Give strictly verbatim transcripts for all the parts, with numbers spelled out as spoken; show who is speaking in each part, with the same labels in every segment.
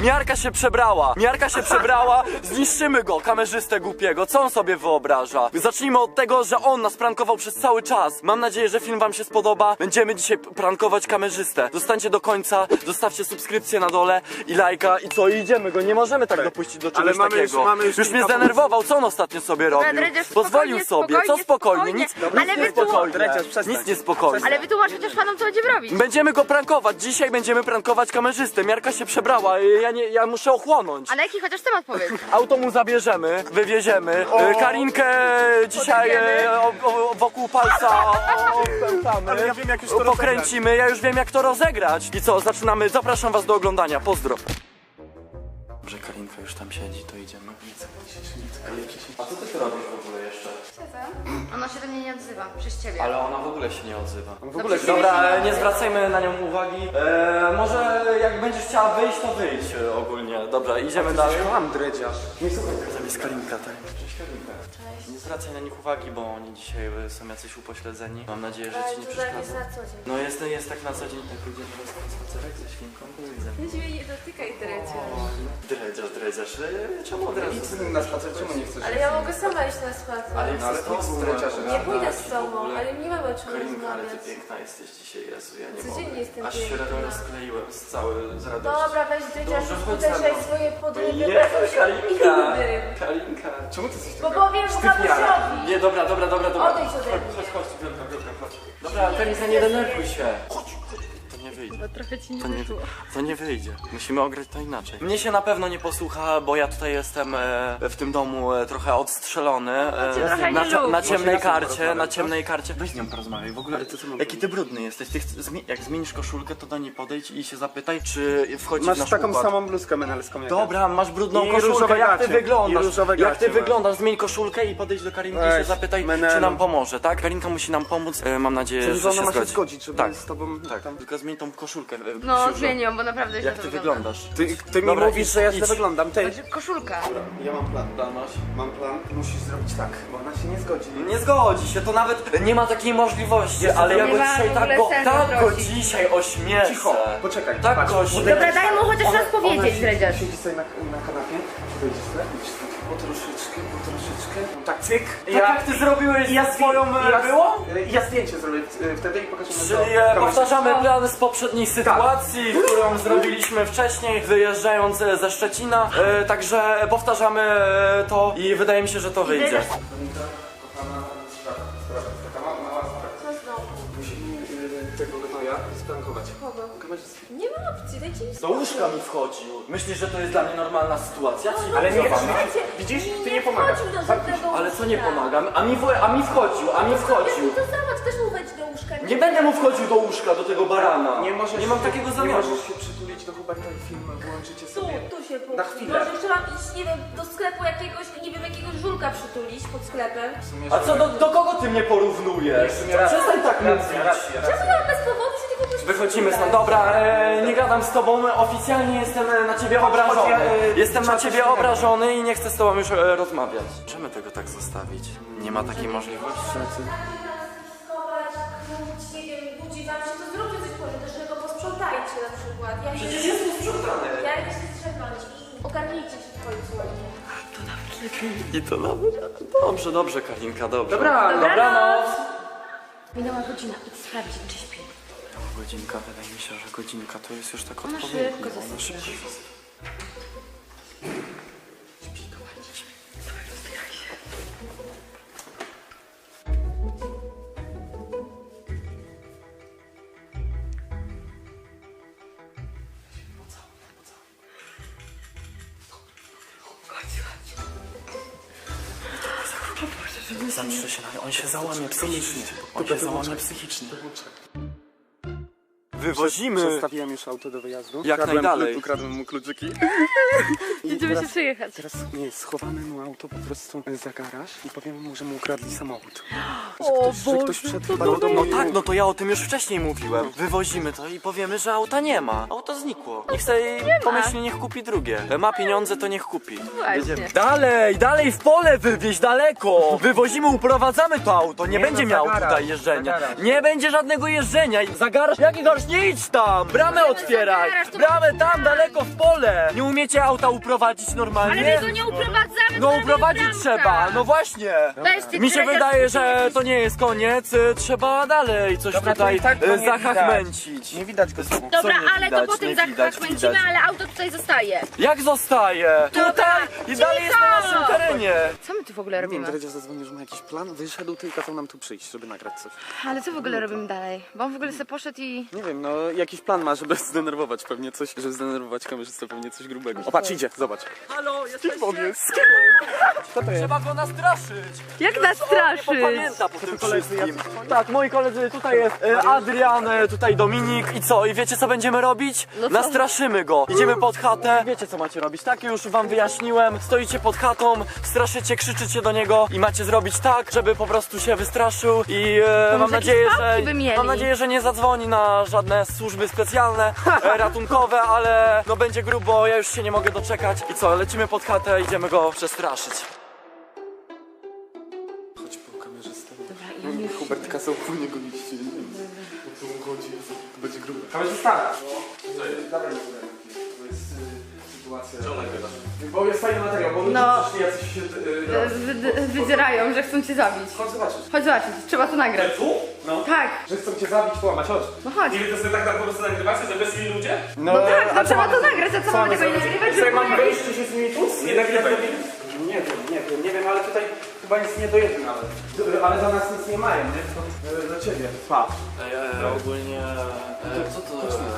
Speaker 1: Miarka się przebrała, Miarka się przebrała, zniszczymy go, kamerzystę głupiego, co on sobie wyobraża? Zacznijmy od tego, że on nas prankował przez cały czas. Mam nadzieję, że film wam się spodoba. Będziemy dzisiaj prankować kamerzystę. Zostańcie do końca, zostawcie subskrypcję na dole i lajka i co, i idziemy go, nie możemy tak dopuścić do czegoś
Speaker 2: mamy
Speaker 1: takiego.
Speaker 2: już- mamy już
Speaker 1: Już mnie
Speaker 2: kilka
Speaker 1: zdenerwował, co on ostatnio sobie robił?
Speaker 3: Dredziarz,
Speaker 1: Pozwolił
Speaker 3: spokojnie,
Speaker 1: sobie, co spokojnie,
Speaker 3: spokojnie.
Speaker 1: nic,
Speaker 3: Ale
Speaker 1: nic nie
Speaker 3: wytłumacz-
Speaker 1: spokojnie.
Speaker 2: Dredziarz, przestań.
Speaker 1: Nic nie spokojnie.
Speaker 3: Ale wytłumacz chociaż panom, co będziemy robić.
Speaker 1: Będziemy go prankować, dzisiaj będziemy prankować kamerzystę. Miarka się przebrała, ja, nie, ja muszę ochłonąć.
Speaker 3: Ale jaki chociaż temat powiedz.
Speaker 1: Auto mu zabierzemy, wywieziemy. E, Karinkę dzisiaj e, o, o, wokół palca opętamy.
Speaker 2: Ale ja wiem, jak już to
Speaker 1: pokręcimy, ja już wiem jak to rozegrać. I co, zaczynamy, zapraszam was do oglądania, pozdro. Że Karinka już tam siedzi, to idziemy. A co ty tu robisz w ogóle jeszcze?
Speaker 3: Ona się do mnie nie odzywa, przez ciebie.
Speaker 1: Ale ona w ogóle się nie odzywa.
Speaker 3: W ogóle się
Speaker 1: Dobra, nie zwracajmy na nią uwagi. E, może jak będziesz chciała wyjść, to wyjdź e, ogólnie. Dobra, idziemy dalej.
Speaker 2: Mam dredziarz. Nie słuchaj.
Speaker 1: Tam jest Karinka, tak? Cześć Karinka. Cześć. Nie zwracaj na nich uwagi, bo oni dzisiaj e, są jacyś upośledzeni. Mam nadzieję, że ci nie przeszkadza. No jest, jest tak na co dzień, tak ludzie teraz na spacerek ze świnką, to widzę.
Speaker 4: Weź mnie nie dotykaj, dredziarz.
Speaker 1: Dredziarz, dredziarz. E, Czemu od razu?
Speaker 2: Na spacer, czemu nie chcesz?
Speaker 4: Ale ja mogę sama iść na spacer.
Speaker 1: Ale
Speaker 2: No, ale
Speaker 1: jest
Speaker 2: to z dredziarzem.
Speaker 4: Nie pójdę z tobą, ale nie mamy o czym
Speaker 1: Karinka, ale ty
Speaker 4: rozmawiać.
Speaker 1: piękna jesteś dzisiaj, Jezu, ja nie
Speaker 4: Codziennie
Speaker 1: mogę.
Speaker 4: jestem
Speaker 1: Aż się
Speaker 4: piękna.
Speaker 1: rozkleiłem z cały, z radości.
Speaker 4: Dobra, weź dredziarz,
Speaker 1: Dobrze, chodź
Speaker 4: uderzaj
Speaker 1: ze mną.
Speaker 4: swoje podrywy.
Speaker 1: Jezu, Karinka!
Speaker 4: Innym.
Speaker 1: Karinka!
Speaker 2: Czemu ty jesteś
Speaker 4: Bo
Speaker 2: taka
Speaker 4: powiem Mamusiowi.
Speaker 1: Nie, dobra, dobra, dobra, dobra.
Speaker 4: Odejdź ode mnie.
Speaker 1: Chodź, chodź, Wielka, Wielka, chodź. Dobra, Karinka, nie denerwuj się. Chodź, chodź. To nie wyjdzie.
Speaker 3: Bo trochę ci nie
Speaker 1: To nie,
Speaker 3: wyszło.
Speaker 1: to nie wyjdzie. Musimy ograć to inaczej. Mnie się na pewno nie posłucha, bo ja tutaj jestem e, w tym domu e, trochę odstrzelony. E,
Speaker 3: cię trochę
Speaker 1: na,
Speaker 3: nie
Speaker 1: cie-
Speaker 3: lubi.
Speaker 1: na ciemnej
Speaker 2: Może ja z nią
Speaker 1: karcie,
Speaker 2: porozmawiam,
Speaker 1: na
Speaker 2: co?
Speaker 1: ciemnej karcie. Weź z nią porozmawiaj. W ogóle,
Speaker 2: Ale to co mam
Speaker 1: jaki ty brudny jesteś. Ty chc- zmi- jak zmienisz koszulkę, to do niej podejdź i się zapytaj, czy wchodzi w
Speaker 2: Masz
Speaker 1: nasz
Speaker 2: taką
Speaker 1: układ.
Speaker 2: samą bluzkę menelską jak ja.
Speaker 1: Dobra, masz brudną
Speaker 2: I
Speaker 1: koszulkę,
Speaker 2: różowe
Speaker 1: jak ty
Speaker 2: gacie.
Speaker 1: wyglądasz?
Speaker 2: I różowe
Speaker 1: Jak ty
Speaker 2: gacie
Speaker 1: wyglądasz? Zmień koszulkę i podejdź do Karinki i się
Speaker 2: Weź,
Speaker 1: zapytaj,
Speaker 2: menelu.
Speaker 1: czy nam pomoże, tak? Karinka musi nam pomóc, e, mam nadzieję,
Speaker 2: Czyli
Speaker 1: że
Speaker 2: ona
Speaker 1: się
Speaker 2: ma się
Speaker 1: zgodzi.
Speaker 2: zgodzić, żeby
Speaker 1: Tak.
Speaker 2: z tobą
Speaker 1: Tak,
Speaker 2: tam...
Speaker 1: tylko zmień tą koszulkę. e,
Speaker 3: No,
Speaker 1: Siużo.
Speaker 3: zmieniłam, bo naprawdę źle
Speaker 1: Jak
Speaker 3: to
Speaker 1: ty
Speaker 3: wygląda.
Speaker 1: wyglądasz?
Speaker 2: Ty, ty mi
Speaker 1: Dobra,
Speaker 2: mówisz,
Speaker 1: idź,
Speaker 2: że ja
Speaker 1: idź.
Speaker 2: źle wyglądam. Ty,
Speaker 3: Znaczy, koszulka.
Speaker 2: ja mam plan.
Speaker 1: Plan masz?
Speaker 2: Mam plan. Musisz zrobić tak, bo ona się nie zgodzi.
Speaker 1: Nie zgodzi się, to nawet nie ma takiej możliwości, ale ja
Speaker 3: nie
Speaker 1: go
Speaker 3: ma
Speaker 1: dzisiaj
Speaker 3: w
Speaker 1: tak
Speaker 3: ogóle
Speaker 1: go,
Speaker 3: sensu
Speaker 1: tak go
Speaker 3: prosić.
Speaker 1: dzisiaj ośmieszę.
Speaker 2: Cicho, poczekaj.
Speaker 1: Tak
Speaker 2: patrz,
Speaker 1: go ośmieszę.
Speaker 3: Dobra, daj mu chociaż
Speaker 2: Ona-
Speaker 3: raz powiedzieć,
Speaker 2: ona siedzi-
Speaker 3: dredziarz.
Speaker 2: Siedzi sobie na, na kanapie, wyjdziesz sobie, idziesz sobie po troszeczkę, po troszeczkę. No tak, cyk.
Speaker 1: Tak jak ty zrobiłeś
Speaker 2: ja
Speaker 1: z swoją
Speaker 2: zdję- ja,
Speaker 1: było?
Speaker 2: Ja zdjęcie zrobię e, wtedy i pokażę
Speaker 1: Czyli e, powtarzamy plan z poprzedniej sytuacji, którą zrobiliśmy wcześniej, wyjeżdżając e, ze Szczecina. E, także powtarzamy e, to i wydaje mi się, że to wyjdzie.
Speaker 2: Kochana, sprawa, sprawa, taka mała, mała sprawa.
Speaker 4: Co znowu?
Speaker 2: Musimy y, tego gnoja sprankować.
Speaker 4: Kogo?
Speaker 2: Kamerzystę.
Speaker 4: Nie ma opcji, dajcie mi
Speaker 1: Do łóżka mi wchodził. Myślisz, że to jest dla mnie normalna sytuacja?
Speaker 2: Ale nie,
Speaker 1: Cywilizowana?
Speaker 2: widzisz, ty nie pomagasz.
Speaker 4: wchodził do żadnego
Speaker 1: Ale co nie
Speaker 4: łóżka.
Speaker 1: pomagam? A mi, wo- a mi wchodził, a mi wchodził.
Speaker 4: To zobacz, też mu wejdź do łóżka.
Speaker 1: Nie będę mu wchodził do łóżka, do tego barana.
Speaker 2: Nie możesz
Speaker 1: Nie mam
Speaker 2: się-
Speaker 1: takiego
Speaker 2: Nie
Speaker 1: zamiaru.
Speaker 2: możesz się przytulić do Huberta i film włączycie
Speaker 4: Tu,
Speaker 2: sobie.
Speaker 4: tu się po...
Speaker 2: Na chwilę.
Speaker 4: Może jeszcze mam iść, nie wiem, do sklepu jakiegoś, nie wiem, jakiegoś żulka przytulić pod sklepem.
Speaker 1: A co, do, do kogo ty mnie porównujesz? Przestań tak mówić.
Speaker 4: Czemu ja bez powodu się nie kogoś
Speaker 1: Wychodzimy stąd. Dobra, e, nie gadam z tobą, oficjalnie jestem e, na ciebie obrażony.
Speaker 2: ja, e,
Speaker 1: Jestem na
Speaker 2: trzeba
Speaker 1: ciebie
Speaker 2: coś innego.
Speaker 1: obrażony i nie chcę z tobą już e, rozmawiać. Czemu tego tak zostawić? Nie ma takiej możliwości.
Speaker 4: schować, kłuć, nie wiem, budzi wam się, to zróbcie coś pożytecznego, posprzątajcie na przykład. Ja
Speaker 1: Przecież jest posprzątane.
Speaker 4: Ja idę się strzegać i ogarnijcie się w końcu.
Speaker 1: I to nawet. Dobrze, dobrze, Karinka, dobrze.
Speaker 2: Dobra,
Speaker 1: Dobranoc.
Speaker 3: Minęła godzina, idź sprawdzić, czy śpi.
Speaker 1: Godzinka, wydaje mi się, że godzinka to jest już tak
Speaker 3: Ona
Speaker 1: odpowiednio.
Speaker 3: szybko
Speaker 1: Ona
Speaker 3: zasypia.
Speaker 1: szybko. Zamrze się na on się załamie psychicznie. On się załamie psychicznie. Wywozimy.
Speaker 2: Przestawiłem już auto do wyjazdu.
Speaker 1: Jak
Speaker 2: Ukradłem
Speaker 1: najdalej.
Speaker 2: klu- Ukradłem mu kluczyki.
Speaker 3: Idziemy
Speaker 2: teraz-
Speaker 3: się przejechać.
Speaker 2: Teraz nie, schowamy mu auto po prostu za garaż i powiemy mu, że mu ukradli samochód. Że
Speaker 3: O
Speaker 2: ktoś, że
Speaker 3: Boże,
Speaker 2: ktoś wszedł
Speaker 3: co
Speaker 2: chyba
Speaker 3: to
Speaker 2: do domu
Speaker 1: No
Speaker 2: i-
Speaker 1: tak, no to ja o tym już wcześniej mówiłem. Wywozimy to i powiemy, że auta nie ma. Auto znikło. Niech sobie pomyśli, niech kupi drugie. Ma pieniądze, to niech kupi.
Speaker 3: Właśnie.
Speaker 1: Dalej, dalej w pole wywieźć, daleko. Wywozimy, uprowadzamy to auto. Nie,
Speaker 2: Nie,
Speaker 1: będzie
Speaker 2: no,
Speaker 1: miał
Speaker 2: za garaż,
Speaker 1: tutaj jeżdżenia.
Speaker 2: za garaż.
Speaker 1: Nie będzie żadnego jeżdżenia. Za garaż? Jaki garaż? nie idź tam! Bramę otwieraj!
Speaker 3: zabierasz, to
Speaker 1: Bramę tam,
Speaker 3: otwieraj.
Speaker 1: daleko w pole! Nie umiecie auta uprowadzić
Speaker 3: Ale
Speaker 1: normalnie?
Speaker 3: my go nie uprowadzamy,
Speaker 1: No
Speaker 3: to
Speaker 1: uprowadzić
Speaker 3: bramka.
Speaker 1: trzeba, no właśnie!
Speaker 3: Weź ty,
Speaker 1: Mi się
Speaker 3: Krezia,
Speaker 1: wydaje,
Speaker 3: spójrz,
Speaker 1: że
Speaker 3: jakiś-
Speaker 1: to nie jest koniec, y, trzeba dalej coś
Speaker 2: Dobra, to
Speaker 1: tutaj
Speaker 2: i tak go
Speaker 1: y,
Speaker 2: nie
Speaker 1: zachachmęcić.
Speaker 2: Nie widać go znowu.
Speaker 3: Dobra,
Speaker 1: Co nie
Speaker 3: ale
Speaker 1: widać,
Speaker 3: to potem
Speaker 1: nie
Speaker 3: za
Speaker 1: widać,
Speaker 3: kręcimy,
Speaker 1: widać.
Speaker 3: ale auto tutaj zostaje.
Speaker 1: Jak zostaje?
Speaker 3: Dobra,
Speaker 1: Tutaj i dalej jest na
Speaker 3: cicho!
Speaker 1: naszym terenie.
Speaker 3: Co my tu w ogóle
Speaker 2: Nie wiem,
Speaker 3: robimy?
Speaker 2: Dredziarz zadzwonił, że ma jakiś plan, wyszedł ty i kazał nam tu przyjść, żeby nagrać coś.
Speaker 3: Ale co w ogóle robimy dalej? Bo on w ogóle sobie poszedł i...
Speaker 2: Nie wiem, no jakiś plan ma, żeby zdenerwować pewnie coś, żeby zdenerwować kamerzystę, pewnie coś grubego. O, patrz, idzie, zobacz.
Speaker 1: Halo, jesteście?
Speaker 2: on jest? Co to jest?
Speaker 1: Trzeba go nastraszyć.
Speaker 3: Jak nas
Speaker 1: Nie
Speaker 3: straszyć?
Speaker 1: popamięta po tym
Speaker 2: koledzy
Speaker 1: wszystkim. Tak, moi koledzy, tutaj jest e, Adrian, e, tutaj Dominik i co? I wiecie co będziemy robić?
Speaker 3: No co?
Speaker 1: Nastraszymy go. Idziemy pod chatę. Wiecie co macie robić, tak? Już wam wyjaśniłem. Stoicie pod chatą, straszycie, krzyczycie do niego i macie zrobić tak, żeby po prostu się wystraszył i e, mam
Speaker 3: może
Speaker 1: nadzieję,
Speaker 3: jakieś
Speaker 1: że
Speaker 3: pałki by mieli?
Speaker 1: mam nadzieję, że nie zadzwoni na żadne służby specjalne, e, ratunkowe, ale no będzie grubo, ja już się nie mogę doczekać. I co? Lecimy pod chatę, idziemy go przestraszyć.
Speaker 2: Chodź po kamerzystę.
Speaker 3: Dobra,
Speaker 2: No,
Speaker 3: i
Speaker 2: nie,
Speaker 3: już...
Speaker 2: Hubert kazał po niego iść, nie wiem. O co mu chodzi, to będzie grubo. Kamerzysta! Co jest? Dawaj mi to jest y, sytuacja. Co nagrywasz? Bo jest fajny materiał, bo ludzie
Speaker 3: No.
Speaker 2: przyszli jacyś się... Y,
Speaker 3: Wy- Wydzierają, że chcą cię zabić.
Speaker 2: Chodź zobaczyć.
Speaker 3: Chodź zobaczyć, trzeba to nagrać.
Speaker 5: Tu?
Speaker 2: No.
Speaker 3: Tak,
Speaker 2: Że chcą cię zabić, połamać, chodź.
Speaker 3: no chodź.
Speaker 5: I wy to sobie tak po prostu nagrywacie, że weszli ludzie?
Speaker 3: No tak,
Speaker 2: a
Speaker 3: no
Speaker 2: co
Speaker 3: trzeba
Speaker 2: mamy
Speaker 3: to
Speaker 2: zrobić?
Speaker 3: nagrać, a co
Speaker 2: Co
Speaker 3: mamy
Speaker 2: mamy
Speaker 3: tego nie
Speaker 2: zrobić?
Speaker 3: nagrywać?
Speaker 2: Co,
Speaker 3: żeby
Speaker 2: mam
Speaker 3: było
Speaker 2: wejść
Speaker 3: jakieś-
Speaker 2: czy się z nimi tłuc?
Speaker 5: Nie nagrywaj.
Speaker 2: Nie wiem, nie wiem, nie wiem, ale tutaj chyba nic nie dojedzie nawet. D- Ale do nas nic nie mają, nie? To y, do ciebie. Pa.
Speaker 1: ogólnie... co to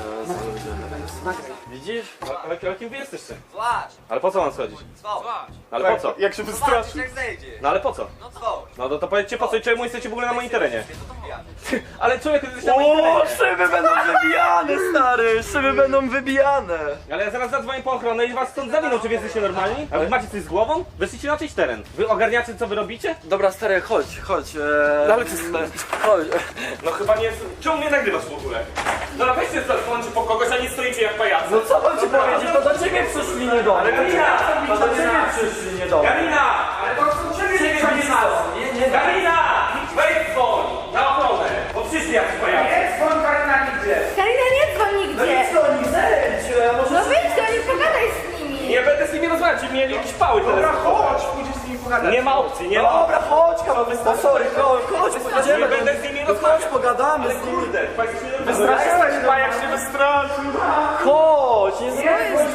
Speaker 5: Widzisz? Ale, ale kim wy jesteście?
Speaker 6: Złaś!
Speaker 5: Ale po co mam schodzić?
Speaker 6: Złaś!
Speaker 5: Ale po co?
Speaker 2: Jak się wystraszył.
Speaker 6: Jak zejdzie?
Speaker 5: No ale po co?
Speaker 6: No zwoł!
Speaker 5: No to, to powiedzcie po co i czemu jesteście w ogóle na moim terenie?
Speaker 6: To to pijany.
Speaker 5: Ale człowieku, ty jesteś na moim
Speaker 1: O,
Speaker 5: terenie.
Speaker 1: szyby będą wybijane, stary! Szyby będą wybijane!
Speaker 5: Ale ja zaraz zadzwonię po ochronę i was stąd zawiną, czy wy jesteście normalni? A wy macie coś z głową? Weszliście na czyjś teren. Wy ogarniacie co wy robicie?
Speaker 1: Dobra, stary, chodź, chodź. Eee,
Speaker 2: Ale ty-
Speaker 1: chodź.
Speaker 5: No chyba nie... Czemu mnie nagrywasz w ogóle? Dobra, weźcie zadzwońcie po kogoś, a nie stoicie jak pajacy.
Speaker 1: No co mam ci powiedzieć? To do ciebie przyszli, nie do mnie.
Speaker 5: Galina!
Speaker 1: To do ciebie przyszli, nie do mnie.
Speaker 5: Galina! Ale to chcą ciebie nie
Speaker 1: Nie, nie,
Speaker 5: Galina! Wejdź dzwoń! Na ochronę! Bo przyszli jakiś pajacy.
Speaker 3: Karina, nie dzwoń nigdzie!
Speaker 1: co oni zejdź!
Speaker 3: No wyjdź do nich, pogadaj z nimi!
Speaker 5: Nie będę z nimi rozmawiać, mieli jakieś pały
Speaker 2: Dobra,
Speaker 5: teraz.
Speaker 2: chodź, pójdziesz z nimi pogadać.
Speaker 5: Nie ma opcji, nie ma opcji.
Speaker 1: Dobra, chodź, kamerzysta, sorry, chodź, chodź, pojedziemy.
Speaker 5: Nie będę z nimi
Speaker 1: No chodź,
Speaker 5: rozmawiać.
Speaker 1: pogadamy
Speaker 5: Ale
Speaker 1: z nimi.
Speaker 5: kurde, państwo się nie
Speaker 2: Wystraszyłeś chyba, jak się wystraszył.
Speaker 1: Chodź, nie dzwoń.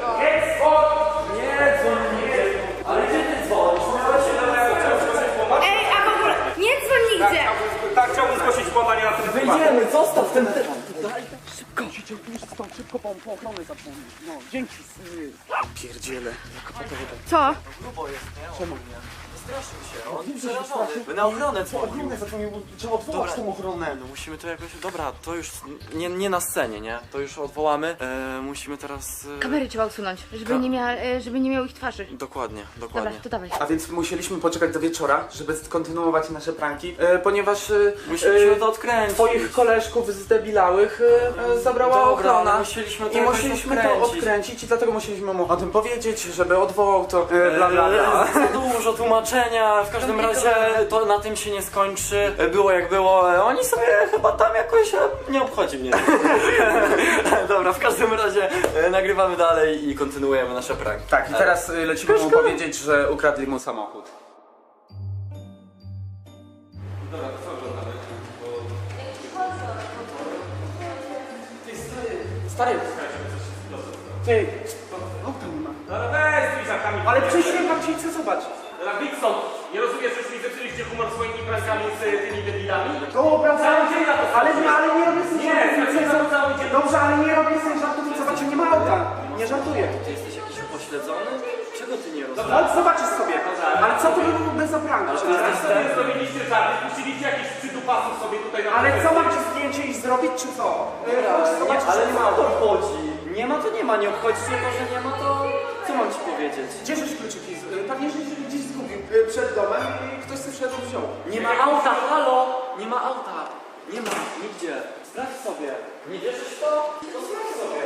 Speaker 1: Nie dzwoń nigdzie. Ale gdzie ty dzwonisz? Miałeś się do
Speaker 3: Ej, a w ogóle nie dzwoń nigdzie!
Speaker 5: Tak, chciałbym zgłosić włamanie na ten
Speaker 1: Wyjdziemy, zostaw ten ty...
Speaker 2: Musicie już stąd szybko po, po ochronę zadzwonić. No, dzięki. y, Pierdziele.
Speaker 3: Co?
Speaker 1: Grubo jest, nie? Czemu nie? Straszył się, on jest przerażony. Na ochronę dzwonił.
Speaker 2: Ochronę zadzwonił, bo trzeba odwołać
Speaker 1: Dobra.
Speaker 2: tą ochronę.
Speaker 1: No musimy to jakoś... Dobra, to już nie, nie na scenie, nie? To już odwołamy. E, musimy teraz... E...
Speaker 3: Kamery trzeba usunąć, żeby nie, mia, e, żeby nie miał ich twarzy.
Speaker 1: Dokładnie,
Speaker 3: Dobra,
Speaker 1: dokładnie.
Speaker 3: to dawaj.
Speaker 2: A więc musieliśmy poczekać do wieczora, żeby kontynuować nasze pranki, e, ponieważ e,
Speaker 1: Musieliśmy
Speaker 2: e,
Speaker 1: to odkręcić.
Speaker 2: twoich koleżków zdebilałych e, e, zabrała
Speaker 1: Dobra,
Speaker 2: ochrona.
Speaker 1: ale musieliśmy to
Speaker 2: I
Speaker 1: jakoś
Speaker 2: musieliśmy to
Speaker 1: odkręcić.
Speaker 2: odkręcić i dlatego musieliśmy mu o tym powiedzieć, żeby odwołał to e, bla bla bla.
Speaker 1: Za dużo tłumaczenia, w każdym razie to na tym się nie skończy. Było jak było, e, oni sobie chyba tam jakoś e, nie obchodzi mnie. Dobra, w każdym razie e, nagrywamy dalej i kontynuujemy nasze pranki.
Speaker 2: Tak, i teraz e, lecimy mu powiedzieć, że ukradli mu samochód. Stary, ty, auta nie ma.
Speaker 5: Dobra, weź z tymi żartami.
Speaker 2: Ale przyszłem tam ci chcę zobaczyć.
Speaker 5: Dobra, Wikson, nie rozumiesz, że już mi zepsuliście humor swoimi prankami z y, tymi debilami?
Speaker 2: Dobra,
Speaker 5: Cały dzień na to
Speaker 2: ale, nie, ale nie robię sobie
Speaker 5: Nie,
Speaker 2: żartów.
Speaker 5: cały cały dzień.
Speaker 2: Dobrze, ale nie robię sobie żartów i zobaczcie, nie ma auta. Nie żartuję.
Speaker 1: Ty jesteś jakiś upośledzony? Czego ty nie rozumiesz?
Speaker 2: Ale zobaczysz sobie. Ale co to by było bez zapranku?
Speaker 5: Teraz sobie zrobiliście żarty, puściliście jakichś przydupasów sobie tutaj na
Speaker 2: Ale co,
Speaker 5: prezencie.
Speaker 2: mam ci zdjęcie i zrobić, czy co? Yy,
Speaker 1: Dobra,
Speaker 2: chodź,
Speaker 1: nie,
Speaker 2: zobaczysz,
Speaker 1: ale
Speaker 2: że nie
Speaker 1: co
Speaker 2: ma
Speaker 1: to
Speaker 2: auta.
Speaker 1: obchodzi? Nie ma to nie ma, nie obchodzi cię to, że nie ma to... Co mam ci powiedzieć?
Speaker 2: Gdzie żeś kluczyki? z- yy, Pewnie, że się gdzieś zgubił yy, przed domem i ktoś sobie wszedł wziął.
Speaker 1: Nie ma auta, halo! Nie ma auta! Nie ma, nigdzie. Sprawdź sobie. Nie wierzysz w to? To sprawdź sobie.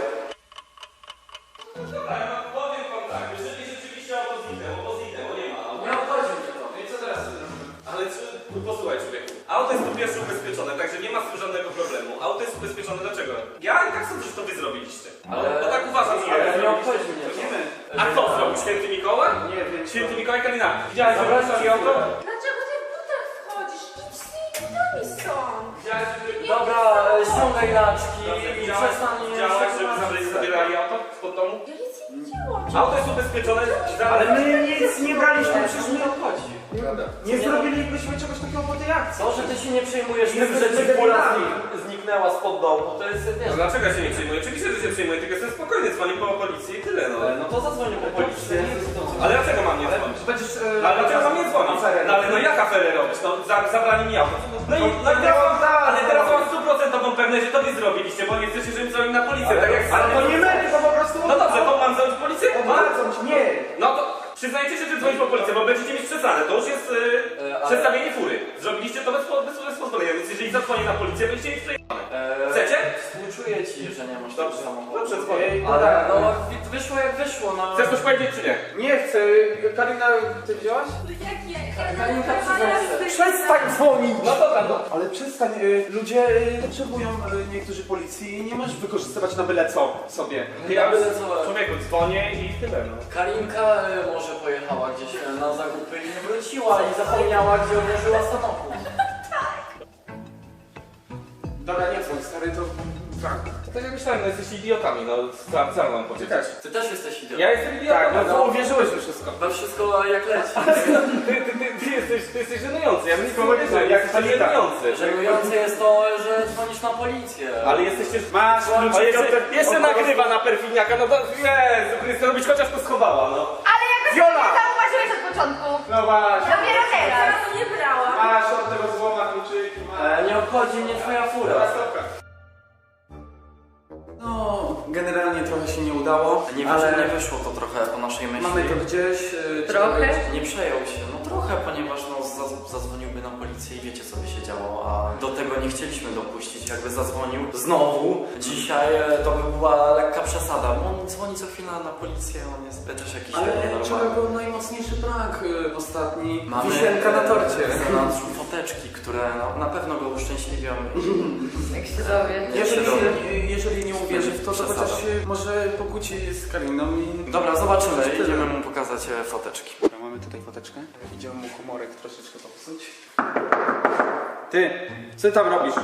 Speaker 5: Ale no, powiem wam tak, jeżeli rzeczywiście auto zniknęło, to zniknęło, nie ma.
Speaker 1: Nie obchodzi mnie to.
Speaker 5: No i co teraz? Ale czy, posłuchaj człowieku, auto jest po pierwsze ubezpieczone, także nie ma z tym żadnego problemu. Auto jest ubezpieczone, dlaczego? Ja i tak sądzę, że to wy zrobiliście.
Speaker 1: Ale-
Speaker 5: Bo tak uważam, że
Speaker 1: Ale nie obchodzi mnie to.
Speaker 5: A kto zrobił? Święty Mikołaj?
Speaker 2: Nie wiem.
Speaker 5: Święty Mikołaj Kalina. Widziałeś, że wracali auto?
Speaker 4: Dlaczego ty w butach wchodzisz? Idź z tymi butami stąd.
Speaker 5: Widziałeś, że...
Speaker 1: Dobra, e, ściągaj laczki i przestań...
Speaker 5: Widziałeś, że zabrali- zabierali auto spod domu?
Speaker 4: Ja nic nie widziałam.
Speaker 5: Auto jest ubezpieczone.
Speaker 2: Ale my nic nie braliśmy, przecież my
Speaker 1: nie obchodzi.
Speaker 2: nie zrobilibyśmy czegoś takiego po tej akcji.
Speaker 1: To, że ty się nie przejmujesz tym,
Speaker 2: Jesteśmy
Speaker 1: że ci fura
Speaker 2: debilami.
Speaker 1: znik- zniknęła spod domu, to jest, wiesz...
Speaker 5: No dlaczego ja się nie przejmuję? Oczywiście, że się przejmuję, tylko jestem spokojny, dzwonię po policję i tyle, no.
Speaker 1: No to zadzwonię po policję.
Speaker 5: Ale dlaczego mam nie dzwonić?
Speaker 2: Będziesz...
Speaker 5: No, ale dlaczego mam nie dzwonić? No ale no jak aferę robisz? No za, zabrali mi auto. No i, no i teraz, ale teraz mam stuprocentową pewność, że to wy zrobiliście, bo nie chcecie, żebym dzwonił na policję, tak jak
Speaker 2: Ale to nie my, tylko po prostu...
Speaker 5: No dobrze, to mam dzwonić policję? No,
Speaker 2: Obracam ci, nie.
Speaker 5: no to przyznajcie się, że dzwonić po policję, bo będziecie mieć przesadzę. To już jest yy,
Speaker 1: E, ale-
Speaker 5: przedstawienie fury. Zrobiliście to bez, bez, bez pozwolenia, więc jeżeli zadzwonię na policję, będziecie mieć przejebane.
Speaker 1: Eee,
Speaker 5: Chcecie?
Speaker 1: Współczuję ci, że nie masz
Speaker 5: Dobrze,
Speaker 1: tego samochodu.
Speaker 5: dobrze, dzwonię.
Speaker 1: Ale no, wi- wyszło jak wyszło, no.
Speaker 5: Chcesz coś powiedzieć czy nie?
Speaker 2: Nie chcę. Karina, ty wziąłaś?
Speaker 4: Jak nie?
Speaker 1: Karinka,
Speaker 4: Ja
Speaker 1: przyznaj się.
Speaker 2: Przestań dzwonić!
Speaker 5: No dobra, no.
Speaker 2: Ale przestań, y, ludzie y, potrzebują y, niektórzy policji i nie możesz wykorzystywać na byle co sobie.
Speaker 5: Ja
Speaker 1: byle co.
Speaker 5: człowieku dzwonię i tyle, no.
Speaker 1: Karinka e, może pojechała gdzieś e, na zakupy i nie wróciła i zapomniała, gdzie odłożyła samochód.
Speaker 2: Dobra, nie dzwoń, stary, to... Tak.
Speaker 5: Tak jak myślałem, no jesteście idiotami, no co, co mam powiedzieć?
Speaker 1: Ty też jesteś idiotą.
Speaker 5: Ja jestem idiotą,
Speaker 2: Tak, no
Speaker 5: no.
Speaker 2: to uwierzyłeś we wszystko.
Speaker 1: We wszystko jak leci.
Speaker 5: Ty, ty, ty, ty, jesteś, ty jesteś żenujący, ja bym nie
Speaker 2: powiedział,
Speaker 5: powiedział,
Speaker 2: jak
Speaker 5: jak
Speaker 2: to
Speaker 5: to
Speaker 2: nie tak.
Speaker 5: żenujący.
Speaker 1: Żenujące jest to, że dzwonisz na policję.
Speaker 5: Ale jesteście...
Speaker 2: Masz
Speaker 5: O, jeszcze, jeszcze nagrywa na perfidniaka, no to Jezu Chryste, robić chociaż to schowała, no.
Speaker 3: Ale jakoś
Speaker 2: Viola!
Speaker 3: nie zauważyłeś od początku.
Speaker 2: No właśnie.
Speaker 3: Dopiero teraz.
Speaker 4: Ja to nie brałam.
Speaker 2: Masz od tego złoma kluczyki, masz.
Speaker 1: E, nie obchodzi mnie twoja fura.
Speaker 2: Dobra, stopka. No, generalnie trochę się nie udało,
Speaker 1: Nie,
Speaker 2: ale
Speaker 1: ale... nie wyszło to trochę po naszej myśli.
Speaker 2: mamy to gdzieś. y,
Speaker 3: Trochę?
Speaker 1: Nie przejął się, no trochę, ponieważ no, zaz- zadzwoniłby na policję i wiecie co by się działo, a do tego nie chcieliśmy dopuścić. Jakby zadzwonił znowu dzisiaj, e, to by była lekka przesada. Bo on dzwoni co chwila na policję, on jest też jakiś
Speaker 2: Ale
Speaker 1: nienormalny.
Speaker 2: czego był najmocniejszy prank y, ostatni?
Speaker 1: Mamy
Speaker 2: Wisienka na torcie.
Speaker 1: w zanadrzu foteczki, które no, na pewno go uszczęśliwią.
Speaker 3: Jak się dowie.
Speaker 2: Jeżeli,
Speaker 1: Dobra.
Speaker 2: jeżeli nie uwierzy w to, to
Speaker 1: Przesada.
Speaker 2: chociaż się może pokłóci z Kariną i...
Speaker 1: Dobra, zobaczymy, idziemy mu pokazać e, foteczki.
Speaker 2: Dobra, mamy tutaj foteczkę. Idziemy mu humorek troszeczkę popsuć. Ty, co ty tam robisz?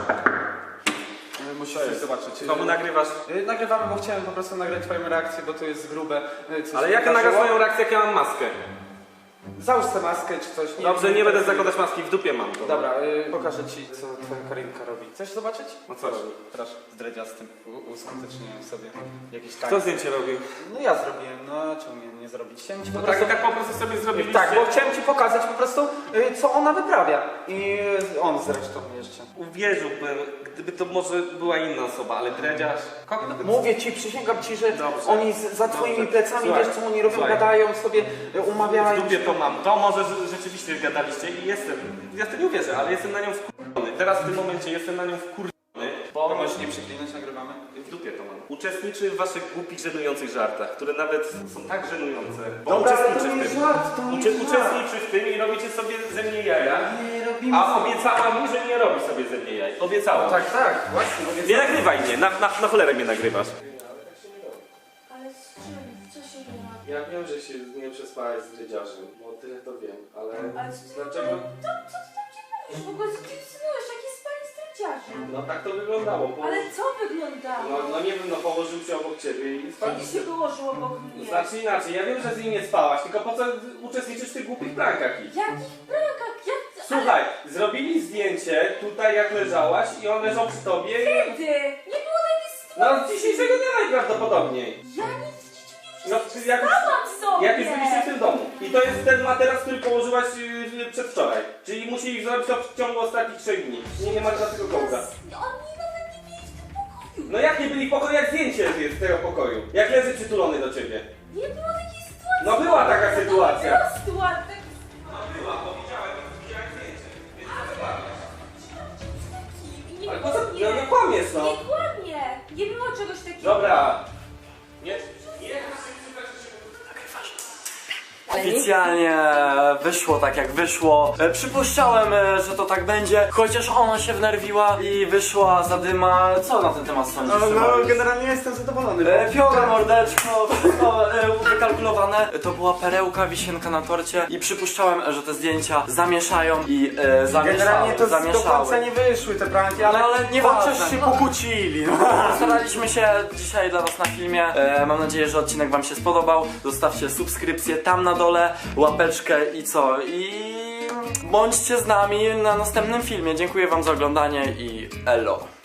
Speaker 2: E, Musisz coś zobaczyć.
Speaker 5: Komu nagrywasz?
Speaker 2: E, Nagrywamy, bo chciałem po prostu nagrać twoją reakcję, bo to jest grube. e, coś
Speaker 5: Ale
Speaker 2: mi
Speaker 5: jak nagrasz
Speaker 2: wydarzyło.
Speaker 5: moją reakcję, jak ja mam maskę?
Speaker 2: Załóż tę maskę czy coś.
Speaker 5: Dobrze, nie będę zakładać maski, w dupie mam to.
Speaker 2: Dobra, y, pokażę ci, co twoja Karinka robi. Chcesz zobaczyć?
Speaker 5: No co robi?
Speaker 2: Proszę, z dredziastym. U- Uskuteczniłem sobie jakiś tak.
Speaker 5: Kto zdjęcie robił?
Speaker 2: No ja zrobiłem, no czemu nie, nie zrobić? Chciałem ci po
Speaker 5: No
Speaker 2: prostu...
Speaker 5: tak, tak po prostu sobie zrobiliście.
Speaker 2: Tak, bo chciałem ci pokazać po prostu, y, co ona wyprawia. I y, on zresztą jeszcze.
Speaker 5: Uwierzyłbym, gdyby to może była inna osoba, ale dredziarz... Kogo nawet...
Speaker 2: Mówię ci, przysięgam ci, że
Speaker 5: Dobrze.
Speaker 2: oni z, za twoimi
Speaker 5: Dobrze.
Speaker 2: plecami,
Speaker 5: Słuchaj.
Speaker 2: wiesz co oni robią,
Speaker 5: Słuchaj.
Speaker 2: gadają sobie, y, umawiają
Speaker 5: W dupie
Speaker 2: się.
Speaker 5: to mam. To może rze- rzeczywiście gadaliście i jestem... Ja w to nie uwierzę, ale jestem na nią wkurwiony. Teraz w tym momencie jestem na nią wkurwiony, bo...
Speaker 2: To możesz nie przeklinać, nagrywamy.
Speaker 5: W dupie to mam. Uczestniczy w waszych głupich, żenujących żartach, które nawet są tak żenujące. Bo
Speaker 2: Dobra, ale to
Speaker 5: uczestniczy
Speaker 2: nie
Speaker 5: w
Speaker 2: jest
Speaker 5: tym.
Speaker 2: żart, to nie
Speaker 5: Ucze-
Speaker 2: jest żart.
Speaker 5: uczestniczy w tym i robicie sobie ze mnie jaja.
Speaker 2: Nie robimy
Speaker 5: A
Speaker 2: sobie.
Speaker 5: obiecała mi, że nie robi sobie ze mnie jaj. Obiecała.
Speaker 2: Tak, tak, właśnie. mówię,
Speaker 5: Nie nagrywaj mnie, na, na, na cholerę mnie nagrywasz.
Speaker 4: Ale z czym? Co się dzieje?
Speaker 6: Ja wiem, że się nie przespałeś z dredziarzem, bo tyle to wiem, ale
Speaker 4: Ale co ty
Speaker 6: dlaczego?
Speaker 4: To, co ty tam ci mówisz? W ogóle co ty insynuujesz? Jakie spanie z dręciarzem?
Speaker 6: No tak to wyglądało, bo...
Speaker 4: Ale co wyglądało?
Speaker 6: No, no nie wiem, no położył się obok ciebie i
Speaker 4: Jak
Speaker 6: spaliście.
Speaker 4: się wyłożył obok mnie?
Speaker 5: Znaczy inaczej, ja wiem, że z nim nie spałaś, tylko po co uczestniczysz w tych głupich prankach ich?
Speaker 4: Jakich prankach? Jak...
Speaker 5: Słuchaj, zrobili zdjęcie tutaj jak leżałaś i on leżał przy tobie i...
Speaker 4: Kiedy? Nie było takiej
Speaker 5: No
Speaker 4: sytuacji.
Speaker 5: z dzisiejszego dnia najprawdopodobniej.
Speaker 4: Ja nic w życiu nie
Speaker 5: No
Speaker 4: użyłam.
Speaker 5: jak,
Speaker 4: Spałam sobie.
Speaker 5: jak już byliście w tym domu. I to jest ten materac, który położyłaś yy, przedwczoraj. Czyli musieli zrobić to w ciągu ostatnich trzech dni. Nie, nie ma żadnego kołda.
Speaker 4: Oni nawet nie byli w tym pokoju.
Speaker 5: No jak nie byli w pokoju, jak zdjęcie jest z tego pokoju? Jak leży przytulony do ciebie?
Speaker 4: Nie było takiej sytuacji.
Speaker 5: No była taka sytuacja.
Speaker 4: No była sytuacja.
Speaker 5: No była, bo widziałem, widziałem zdjęcie. Więc to zobaczysz.
Speaker 4: Nie
Speaker 5: Ale
Speaker 4: było,
Speaker 5: po co?
Speaker 4: nie.
Speaker 5: No nie kłamiesz no.
Speaker 4: Nie kłamie. Nie było czegoś takiego.
Speaker 5: Dobra. Nie, nie.
Speaker 3: Ale
Speaker 1: Oficjalnie wyszło tak jak wyszło. E, Przypuszczałem, e, że to tak będzie, chociaż ona się wnerwiła i wyszła zadyma. Co na ten temat sądzisz?
Speaker 2: No, no
Speaker 1: Mariusz?
Speaker 2: generalnie jestem zadowolony.
Speaker 1: E, Piora, mordeczko, wszystko e, wykalkulowane. To była perełka, wisienka na torcie i przypuszczałem, że te zdjęcia zamieszają i e, zamieszały,
Speaker 2: Generalnie to
Speaker 1: zamieszały.
Speaker 2: do końca nie wyszły te pranki, ale,
Speaker 1: No, ale nieważne.
Speaker 2: chociaż się pokłócili. No.
Speaker 1: Staraliśmy się dzisiaj dla was na filmie. E, mam nadzieję, że odcinek wam się spodobał. Zostawcie subskrypcję tam na dole, łapeczkę i co? I bądźcie z nami na następnym filmie. Dziękuję wam za oglądanie i elo.